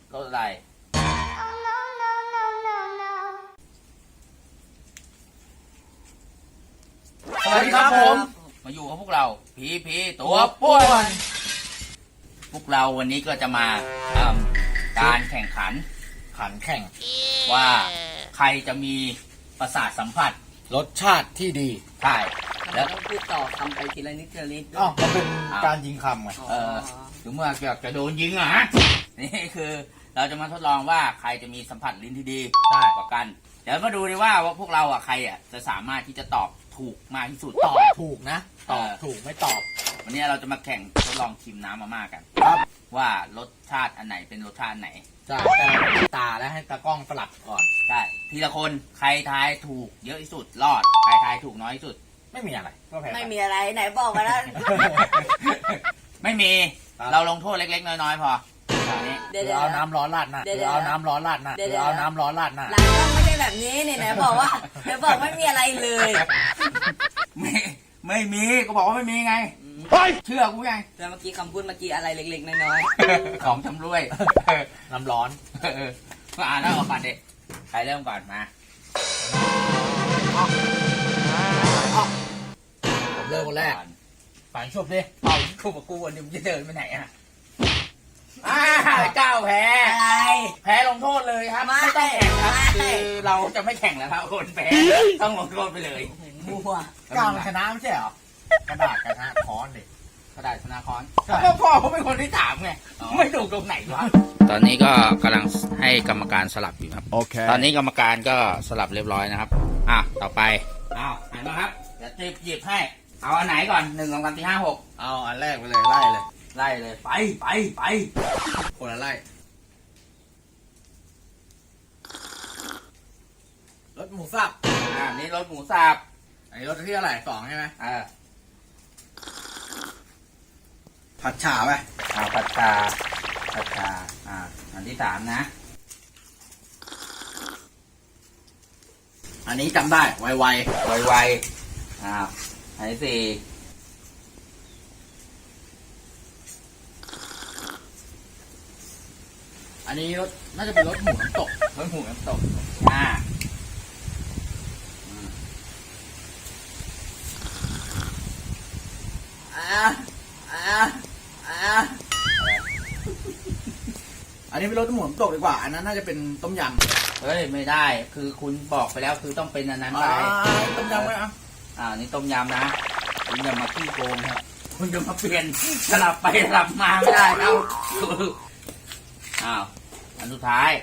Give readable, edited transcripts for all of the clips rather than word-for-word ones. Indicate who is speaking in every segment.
Speaker 1: รถอะไรสวัสดีครับผมมาอยู่กับพวกเราพีตัวป่วนพวกเราวันนี้ก็จะมาทำการแข่งขันว่าใครจะมีประสาทสัมผัส
Speaker 2: รสชาติที่ดี
Speaker 1: ใช่
Speaker 3: แล้วต้องพูดต่อทำไปทีละนิดทีละนิดด้วย
Speaker 2: มันเป็นการยิงคำไง
Speaker 1: ถึงเมื่อจะโดนยิงอ่ะนี่คือเราจะมาทดลองว่าใครจะมีสัมผัสลิ้นที่ดีกว่ากันเดี๋ยวมาดูดีว่าพวกเราอ่ะใครอ่ะจะสามารถที่จะตอบถูกมากที่สุด
Speaker 2: ตอบถูกนะตอบถูกไม่ตอบ
Speaker 1: วันนี้เราจะมาแข่งทดลองชิมน้ำมาม่ากัน
Speaker 2: ครับ
Speaker 1: ว่ารสชาติอันไหนเป็นรสชาติไหน
Speaker 2: ใช่แต่ตาแล้วให้ตากล้องสลับก่อน
Speaker 1: ใช่ทีละคนใครทายถูกเยอะที่สุดรอดใครทายถูกน้อยที่สุด
Speaker 2: ไม่มีอะไรก็แพ้
Speaker 3: ไม่มีอะไรไหนบอกมาแล้ว
Speaker 1: ไม่มีเราลงโทษเล็กๆน้อยๆพอ
Speaker 2: เดี๋ยวเอาน้ำร้อนราดหน้าเดี๋ยวเอาน้ำร้อนราดหน้าเดี๋ยวเอาน้ำร้อนราดหน้า
Speaker 3: หลังก็ไม่ใช่แบบนี้เนี่ยไหนบอกว่าไหนบอกไม่มีอะไรเลย
Speaker 1: ไม่มีก็บอกว่าไม่มีไงเชื่อกูไง
Speaker 3: แต่เมื่อกี้คำพูดเมื่อกี้อะไรเล็กๆน้อย
Speaker 1: ๆของชำร่วย
Speaker 2: น้ำร้อน
Speaker 1: ก็อ่านแล้วออกก่อนเด็กใครเริ่มก่อนมา
Speaker 2: ผมเริ่มคนแรกฝันชบดิ
Speaker 1: เอาคู่กับกูวันนี้มึงจะเดินไปไหนอ่ะเจ้าแพ้แพ้ลงโทษเลยครับไม่ต้องแข่งครับคือเราจะไม่แข่งแล้วครับคนแพ้ต้องลงโทษไปเลย
Speaker 3: มั่ว
Speaker 2: ก้าวชนะไม่ใช่เหรอกระดาษชนะค้อนดิ
Speaker 1: กระดาษชนะค้อนก็พ่อเขาเป็นคนที่ถามไงไม่ถูกตรงไหนวะตอนนี้ก็กำลังให้กรรมการสลับอยู่ครับโอเคตอนนี้กรรมการก็สลับเรียบร้อยนะครับต่อไปหันมาครับเดี๋ยวหยิบให้เอาอันไหนก่อน1 2 3 4 5 6
Speaker 2: เอาอันแรกไปเลยไล่
Speaker 1: เลยไป
Speaker 2: คนละไล่รสหมูสับ
Speaker 1: นี่รสหมูสับ
Speaker 2: อันนี้รสที่เท่าไหร่2ใช่ไหมผัดฉ่าไป
Speaker 1: ผัดชาอันที่3นะ
Speaker 2: อันนี้จำได้ไว
Speaker 1: อันที่4
Speaker 2: อันนี้รสน่าจะเป็นรสหมูน้ำตกอันนี้เป็นรสหมูน้ำตกดีกว่าอันนั้นน่าจะเป็นต้มย
Speaker 1: ำเฮ้ยไม่ได้คือคุณบอกไปแล้วคือต้องเป็นอันนั้นไป
Speaker 2: ต้มยำไหม
Speaker 1: นี่ต้มยำนะคุณอย่ามาขี้โกงครับคุณจะมาเปลี่ยนสลับไปสลับมาไม่ได้แล้วอันสุดท้าย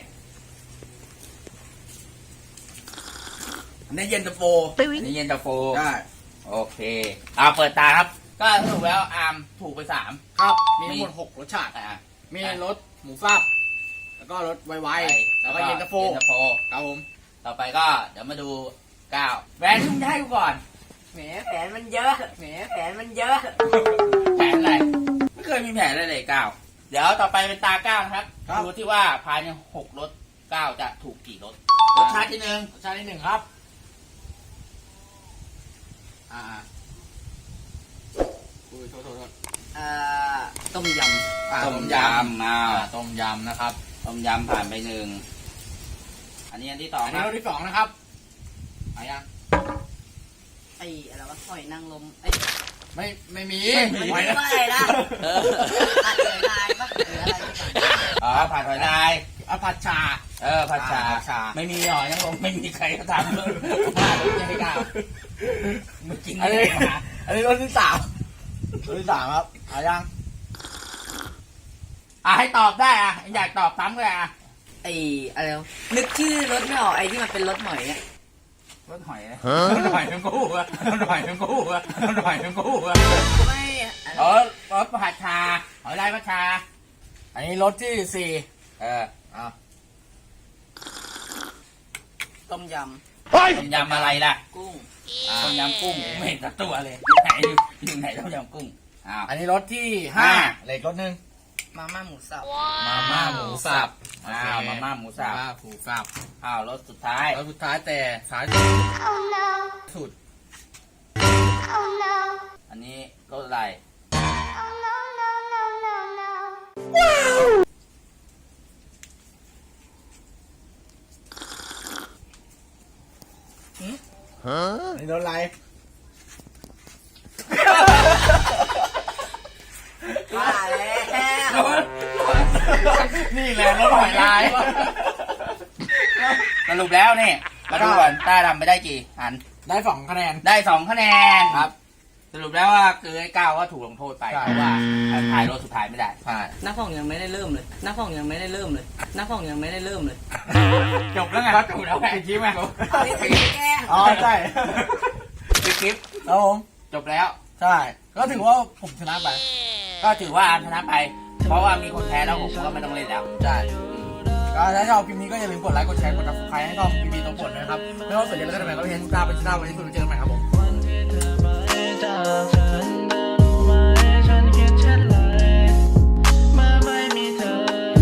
Speaker 2: อันนี้เย็นตาโฟ
Speaker 1: ได้โอเคเปิดตาครับก็สรุปแล้วถูกไป3
Speaker 2: ครับมีทั้งหมด6รสชาติมีรสหมูสับแล้วก็รสไวแล้วก็เย็นตาโฟครับผม
Speaker 1: ต่อไปก็เดี๋ยวมาดู9แหวนที่มึงให้กูก่อน
Speaker 3: แหมแผนมันเยอะแผน
Speaker 1: อะไรไม่เคยมีแผนเลย9เดี๋ยวต่อไปเป็นตา9นะครับดูที่ว่าภายใน6รส9จะถูกกี่รสรสชาติที่1
Speaker 2: ครับโทษ
Speaker 3: ต้มย
Speaker 1: ำต้มยำนะครับต้มยำผ่านไป1อันนี้อันที่2
Speaker 2: อันนี้รสที่2นะครับ
Speaker 1: ยัง
Speaker 3: อะไรวะหอยนางรม
Speaker 2: ไม่มี
Speaker 3: หอยอะไรนะผัดหอยลายปะหรืออะไร
Speaker 1: ผัดหอยลาย
Speaker 2: ผัดชา
Speaker 1: ผัดชาไม่มีหอยนางรมไม่มีใครก็ทำเลยมาแล้วยังไม่กล้ามึงกิน
Speaker 2: อันนี้รสที่3ครับยัง
Speaker 1: ให้ตอบได้อยากตอบซ้ำเลย
Speaker 3: อะไรนึกชื่อรสไม่ออกที่มันเป็นรสหอยเนี่ย
Speaker 1: รสหอยทั้งคู่ไม่รสผัดชาหอยลายผัดชา
Speaker 2: อันนี้รสที่4
Speaker 3: ต้มย
Speaker 1: ำอะไรล่ะ
Speaker 3: กุ้ง
Speaker 1: ต้มยำกุ้งไม่เห็นตัวเลยไหนอยู่ไหนต้มยำกุ้ง
Speaker 2: อันนี้รสที่5เลยรสนึง
Speaker 3: มาม่าหมูสับ
Speaker 2: มาม่าหมูสับ
Speaker 1: รสสุดท้าย
Speaker 2: แต่สายสุด
Speaker 1: อันนี้รสอะไร
Speaker 2: นี่โดนอะไร
Speaker 3: ว่าแล้ว
Speaker 2: นี่แหละรถหอยลาย
Speaker 1: สรุปแล้วนี่มาดูก่อนต้าทำไปได้กี่อัน
Speaker 2: ได้2 คะแนน
Speaker 1: ได้2 คะแนน
Speaker 2: ครับ
Speaker 1: สรุปแล้วว่าคือไอ้ก้าวก็ถูกลงโทษไป
Speaker 2: ใช่
Speaker 1: เพราะว่าถ่ายรถสุดท้ายไม่ได้
Speaker 2: ใช่
Speaker 3: นักข่องยังไม่ได้เริ่มเลยนักข่องยังไม่ได้เริ่มเลยนักข่องยังไม่ได้เริ่มเลย
Speaker 1: จบแล้วไงจบแล้วไง
Speaker 2: ปิดคลิปไหม
Speaker 3: เอาที่ถึงแกล้ง
Speaker 2: อ๋อใช่
Speaker 1: ปิดคลิป
Speaker 2: ครับผม
Speaker 1: จบแล้ว
Speaker 2: ใช่ก็ถือว่าผมชนะไป
Speaker 1: ก็ถือว่าอันชนะไป เพราะว่ามีคนแพ้แล้วผมก็ไม่ต้องเล่นแล้ว
Speaker 2: ใช่ก็ถ้าชอบคลิปนี้ก็อย่าลืมกดไลค์กดแชร์กด subscribe ให้ช่องพีพีตัวปวดนะครับไม่ว่าสนใจแล้วก็ทำไมก็เห็นตาเป็นชนะวันนี้คุณเจอกันใหม่ครับผม